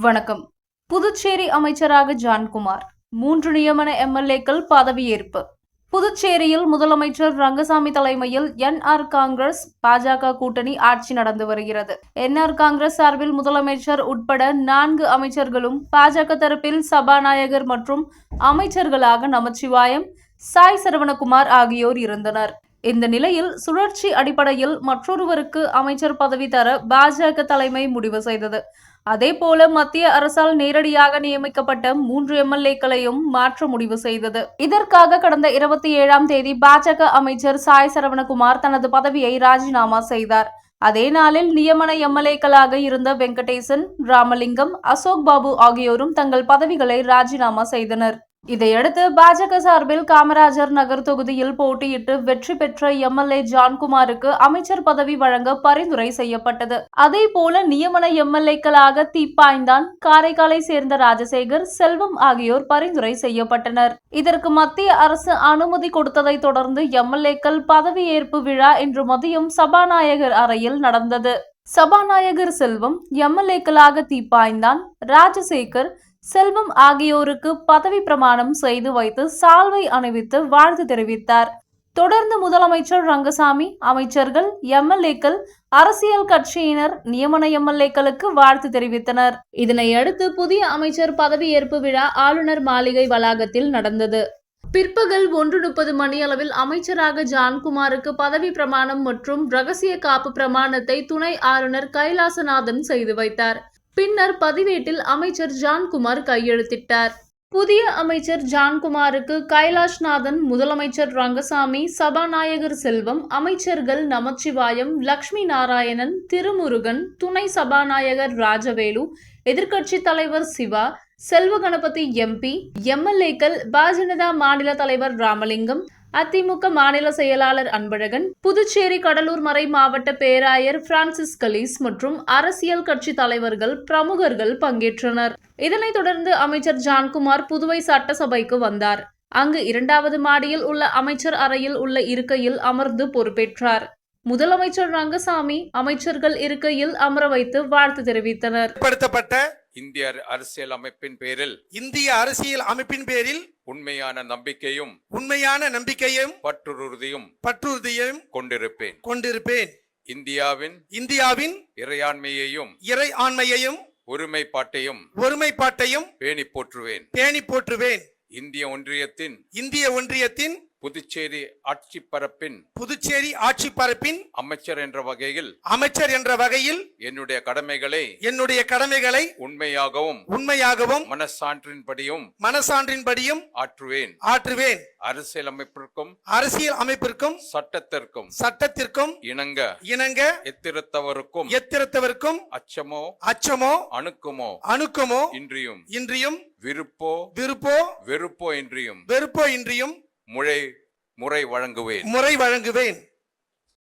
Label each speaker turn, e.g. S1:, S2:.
S1: வணக்கம். புதுச்சேரி அமைச்சராக ஜான்குமார் 3 நியமன எம்எல்ஏக்கள் பதவியேற்பு. புதுச்சேரியில் முதலமைச்சர் ரங்கசாமி தலைமையில் என்ஆர் காங்கிரஸ் பாஜக கூட்டணி ஆட்சி நடந்து வருகிறது. என்ஆர் காங்கிரஸ் சார்பில் முதலமைச்சர் உட்பட 4 அமைச்சர்களும், பாஜக தரப்பில் சபாநாயகர் மற்றும் அமைச்சர்களாக நமச்சிவாயம், சாய் சரவணகுமார் ஆகியோர் இருந்தனர். இந்த நிலையில் சுழற்சி அடிப்படையில் மற்றொருவருக்கு அமைச்சர் பதவி தர பாஜக தலைமை முடிவு செய்தது. அதேபோல மத்திய அரசால் நேரடியாக நியமிக்கப்பட்ட 3 எம்எல்ஏக்களையும் மாற்ற முடிவு செய்தது. இதற்காக கடந்த 27ஆம் தேதி பாஜக அமைச்சர் சாய் சரவணகுமார் தனது பதவியை ராஜினாமா செய்தார். அதே நாளில் நியமன எம்எல்ஏக்களாக இருந்த வெங்கடேசன், ராமலிங்கம், அசோக் பாபு ஆகியோரும் தங்கள் பதவிகளை ராஜினாமா செய்தனர். இதையடுத்து பாஜக சார்பில் காமராஜர் நகர் தொகுதியில் போட்டியிட்டு வெற்றி பெற்ற எம்எல்ஏ ஜான்குமாருக்கு அமைச்சர் பதவி வழங்க பரிந்துரை செய்யப்பட்டது. அதேபோல நியமன எம்எல்ஏக்களாக தீப்பாய்ந்தான், காரைக்காலை சேர்ந்த ராஜசேகர், செல்வம் ஆகியோர் பரிந்துரை செய்யப்பட்டனர். இதற்கு மத்திய அரசு அனுமதி கொடுத்ததை தொடர்ந்து எம்எல்ஏக்கள் பதவியேற்பு விழா இன்று மதியம் சபாநாயகர் அறையில் நடந்தது. சபாநாயகர் செல்வம் எம்எல்ஏக்களாக தீப்பாய்ந்தான், ராஜசேகர், செல்வம் ஆகியோருக்கு பதவி பிரமாணம் செய்து வைத்து சால்வை அணிவித்து வாழ்த்து தெரிவித்தார். தொடர்ந்து முதலமைச்சர் ரங்கசாமி, அமைச்சர்கள், எம்எல்ஏக்கள், அரசியல் கட்சியினர் நியமன எம்எல்ஏக்களுக்கு வாழ்த்து தெரிவித்தனர். இதனையடுத்து புதிய அமைச்சர் பதவியேற்பு விழா ஆளுநர் மாளிகை வளாகத்தில் நடந்தது. பிற்பகல் 1:30 மணியளவில் அமைச்சராக ஜான்குமாருக்கு பதவி பிரமாணம் மற்றும் ரகசிய காப்பு பிரமாணத்தை துணை ஆளுநர் கைலாசநாதன் செய்து வைத்தார். பின்னர் பதிவேட்டில் அமைச்சர் ஜான்குமார் கையெழுத்திட்டார். புதிய அமைச்சர் ஜான்குமாருக்கு கைலாஷ்நாதன், முதலமைச்சர் ரங்கசாமி, சபாநாயகர் செல்வம், அமைச்சர்கள் நமச்சிவாயம், லட்சுமி நாராயணன், திருமுருகன், துணை சபாநாயகர் ராஜவேலு, எதிர்க்கட்சி தலைவர் சிவா, செல்வ கணபதி எம்பி, எம்எல்ஏக்கள், பாஜக மாநில தலைவர் ராமலிங்கம், அதிமுக மாநில செயலாளர் அன்பழகன், புதுச்சேரி கடலூர் மறை மாவட்ட பேராயர் பிரான்சிஸ் கலீஸ் மற்றும் அரசியல் கட்சி தலைவர்கள், பிரமுகர்கள் பங்கேற்றனர். இதனைத் தொடர்ந்து அமைச்சர் ஜான்குமார் புதுவை சட்டசபைக்கு வந்தார். அங்கு 2வது மாடியில் உள்ள அமைச்சர் அறையில் உள்ள இருக்கையில் அமர்ந்து பொறுப்பேற்றார். முதலமைச்சர் ரங்கசாமி அமைச்சர்கள் இருக்கையில் அமர வைத்து வாழ்த்து தெரிவித்தனர்.
S2: இந்திய அரசியல் அமைப்பின் பேரில் உண்மையான நம்பிக்கையும் பற்றுறுதியும் கொண்டிருப்பேன். இந்தியாவின் இறையாண்மையையும் ஒருமைப்பாட்டையும் பேணி போற்றுவேன். இந்திய ஒன்றியத்தின் புதுச்சேரி ஆட்சி பரப்பின் அமைச்சர் என்ற வகையில் என்னுடைய கடமைகளை உண்மையாகவும் மனசான்றின்படியும் ஆற்றுவேன். அரசியல் அமைப்பிற்கும் சட்டத்திற்கும் இணங்க எத்திரத்தவருக்கும் அச்சமோ அணுக்கமோ இன்றியும் வெறுப்போ இன்றியும் முறை வழங்குவேன்.